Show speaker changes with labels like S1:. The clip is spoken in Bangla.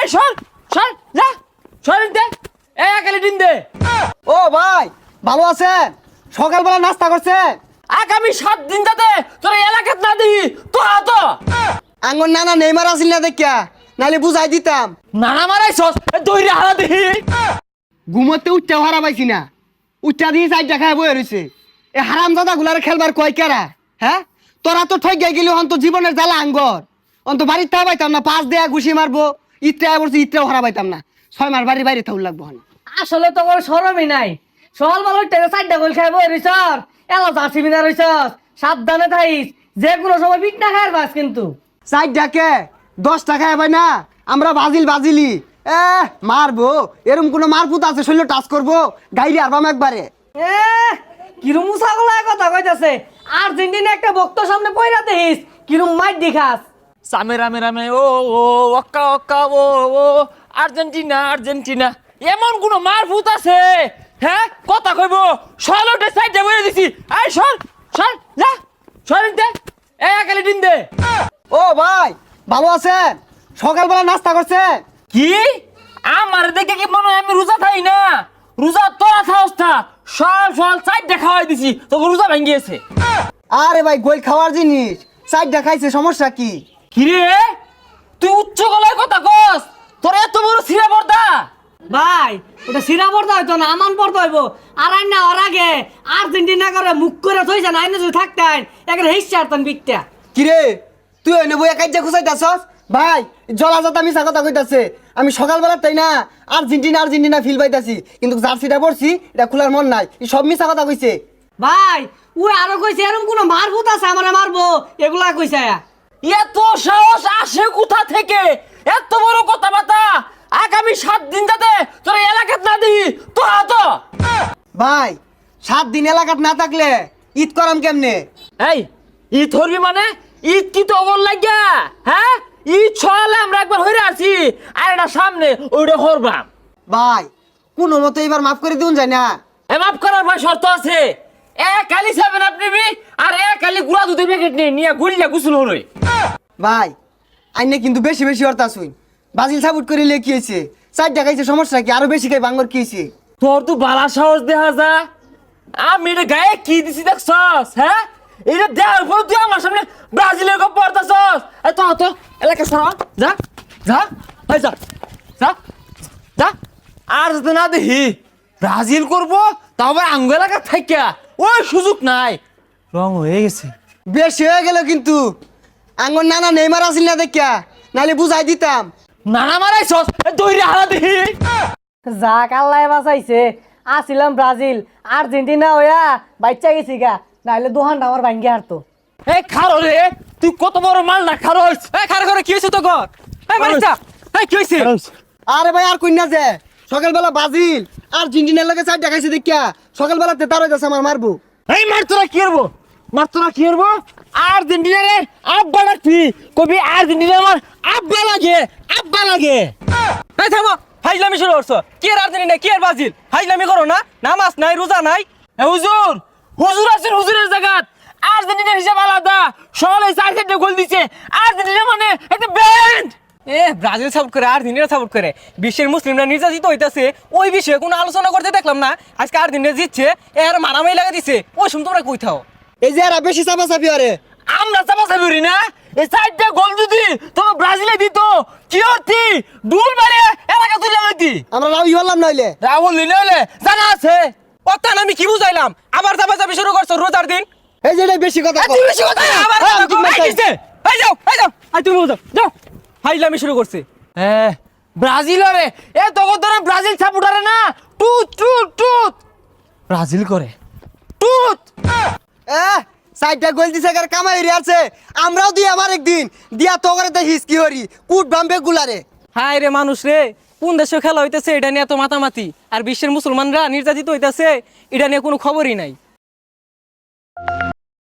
S1: এই সর সর যা সরেন দে একালি দিন দে।
S2: ও ভাই ভালো আছেন? সকালবেলা নাস্তা করছেন?
S1: আগামী 7 দিন যাতে তোর এলাকাত না দিই তো তো
S2: আঙ্গন নানা নেইমার আসিল না দেখিয়া, নাহলে বুঝাই দিতাম।
S1: নানা মারাইছস দইরে হারা দিই।
S2: ঘুমোতে উঠতে হারা পাইছি না, উঠটা দিয়ে চারটা খায় বয়ে রয়েছে। এ হারাম দাদা গুলার খেলবার কয় কেরা? হ্যাঁ, তোরা তো ঠক গেলি অন্ত জীবনের জ্বালা আঙ্গর। অন্ত বাড়ির তা পাইতাম না, 5 দেয়া ঘুষি মারবো, ইটটা বলছি ইটটাও হারা পাইতাম না। 6 মাস বাড়ির বাইরে থাকুর লাগবো।
S3: আসলে তো কোনো সরমই নাই। সকাল বেলা টেনে 4টা গোল খাইব রিসর এলা জার্সি বিনা রইছস। সাবধানে থাইস, যে কোনো সময় পিট না খাইর বাস কিন্তু।
S2: চারটাকে 10 টাকা ভাই না, আমরা বাজিলি মারবো। এরকম কোনো মারপুত আছে শরীর টাচ করবো গাইলে আরবাম একবারে।
S3: এ কিরম মুসাগুলা কথা কইতাছে। আর্জেন্টিনা একটা বক্ত সামনে পয়রা দেখিস কিরম মাইর দেখাস।
S1: সামে রামে রামে ও ও ওক্কা ওক্কা ও ও আর্জেন্টিনা আর্জেন্টিনা এমন কোন মারফুত আছে? হ্যাঁ কথা কইব সলটে সাইডে বইরে দিছি। এই সর সর যা সরেন দে একালি দিন দে।
S2: ও ভাই ভালো আছেন? সকালবেলা নাস্তা করছেন?
S1: কি আমার দেখে কি মনে হয় আমি রোজা থাই না? রোজা তোরা থাকস না, সব সল সাইডে খাওয়াই দিছি তোকে রোজা ভাঙ্গিয়েছে।
S2: আরে ভাই গোল খাওয়ার জিনিস, চারটা খাইছে সমস্যা কি?
S1: কিরে তুই উচ্চ গলায় কথা কস? তোর এত বড় সিরা পর্দা?
S3: ভাই ওটা সিরা পড়তে হইতো না, আমান পড়তে হইব। আর আইন না ওর আগে আর্জেন্টিনা করে মুখ করে থইছে না, আইনে যদি থাকতেন একটা হিসা আরতেন বিকটা।
S2: কিরে তুই এনে বইয়া কাইজা খুঁজাইতাছস? ভাই জলাজাত আমি কথা কইতাছে। আমি সকালবেলা তাই না আর্জেন্টিনা ফিল পাইতাছি, কিন্তু জার্সিটা পড়ছি এটা খোলার মন নাই। এই সব মিছা কথা কইছে।
S3: ভাই ও আরো কইছে এরকম কোন মারভূত আছে আমারে মারবো, এগুলা কইছে।
S1: এত সাহস আসে কোথা থেকে? এত বড় কথাবার্তা আগামী 7 দিন যাতে তোর এলাকাত না দিই তো তো
S2: ভাই 7 দিন এলাকাত না থাকলে ঈদ করাম কেমনে?
S1: এই ঈদ ধরবি মানে ঈদ কি তো অবল লাগিয়া? হ্যাঁ ঈদ ছড়ালে আমরা একবার হইরে আছি, আর এটা সামনে ওইটা হরবাম।
S2: ভাই কোনো মতো এবার মাফ করে দিউন যায় না?
S1: মাফ করার ভাই শর্ত আছে। কালি 7 আপ নিবি আর কালি গুড়া দুধের প্যাকেট নিয়ে গুলিয়া গুসল হরই।
S2: ভাই আইনে কিন্তু বেশি বেশি অর্থ শুন। বাজিল সাপোর্ট করে লেখিয়েছে, 4টা খাইছে সমস্যা কি? আরো বেশি খাই বাঙ্গর কি হয়েছে?
S1: তোর তো বালা সাহস দেখা যা। আমি এটা গায়ে কি দিছি দেখছস? হ্যাঁ এটা দেওয়ার পর তুই আমার সামনে ব্রাজিলের গপ পড়তাছস। তো তো এলাকা সরা যা যা ভাই যা যা যা। আর যদি না দেখি ব্রাজিল করবো তবে আঙ্গ এলাকা থাকিয়া ওই সুযোগ নাই। রং হয়ে গেছে,
S2: বেশি হয়ে গেল কিন্তু। আঙ্গর নানা নেইমার আসিল না দেখিয়া, নাহলে বুঝাই দিতাম।
S1: নানা মারাইছস দইরে হারা দেখি।
S3: যাক আল্লাহ বাঁচাইছে। আসিলাম ব্রাজিল আর্জেন্টিনা হইয়া বাচ্চা গেছি গা, নাহলে দোহানটা আমার ভাঙ্গি হারতো।
S1: এই খারো রে, তুই কত বড় মাল না খারোস? এই খারো করে কি হইছে তো গর? এই মারিসা এই কি হইছে?
S2: আরে ভাই আর কইনা যে সকালবেলা বাজিল আর্জেন্টিনার লগে 4টা খাইছে দেখিয়া সকালবেলা তেতার হইতাছে আমার মারবো।
S1: এই মারতরা কি করবো? মারতরা কি করবো? আর্জেন্টিনারে আব্বা ডাকবি, কবি আর্জেন্টিনা আমার আব্বা লাগে আব্বা লাগে।
S4: এই থামো, ফাইজলামি শুরু করছো। কি আর আর্জেন্টিনা কি আর ব্রাজিল? ফাইজলামি করো না, নামাজ নাই রোজা নাই।
S1: এ হুজুর হুজুর আছেন হুজুরের জায়গাত। আর্জেন্টিনার হিসাব আলাদা, সকালে 4-4টা গোল দিছে। আর্জেন্টিনা মানে একটা ব্যান্ড।
S4: ব্রাজিল সাপোর্ট করে আর্জেন্টিনা সাপোর্ট করে বিশ্বের মুসলিমরা নির্যাতিত হইতাছে, ওই বিষয়ে কোনো আলোচনা করতে দেখলাম না। আজকে আর্জেন্টিনা জিতছে, এর মারামারি লাগা দিছে। ওই সময় তোমরা কই থাও?
S2: এই যে এরা বেশি চাপাচাপি আরে
S1: আমরা চাপাচাপি না, এই 4টা গোল যদি তোমার ব্রাজিলে দিত কি হতি? ডুল মারে এলাকা তুলে লইতি।
S2: আমরা রাউই হলাম নইলে।
S1: রাহুল নিলে জানা আছে।
S4: অত্যান আমি কি বুঝাইলাম? আবার চাপাচাপি শুরু করছো রোজার দিন।
S2: এই যে এটা বেশি কথা কও।
S1: তুই বেশি কথা না।
S4: আবার
S2: হ্যাঁ,
S4: কথা কও।
S2: ঠিক আছে।
S4: এই কিসে? এই যাও এই যাও, আই তুমি যাও যাও। ফাইজলামি শুরু করছে।
S1: হ্যাঁ ব্রাজিলরে এ তখন ধরে ব্রাজিল সাপোর্টারে না টুত টুত টুত ব্রাজিল করে টুত।
S2: 4টা গোল দিছে কার কামাই হইরে আছে। আমরাও দি আমার একদিন দিয়া তো করে দেখিস কি হরি কুট বাম্বে গুলারে।
S4: হায় রে মানুষ রে, কোন দেশে খেলা হইতেছে এটা নিয়ে এত মাতামাতি, আর বিশ্বের মুসলমানরা নির্যাতিত হইতেছে এটা নিয়ে কোনো খবরই নাই।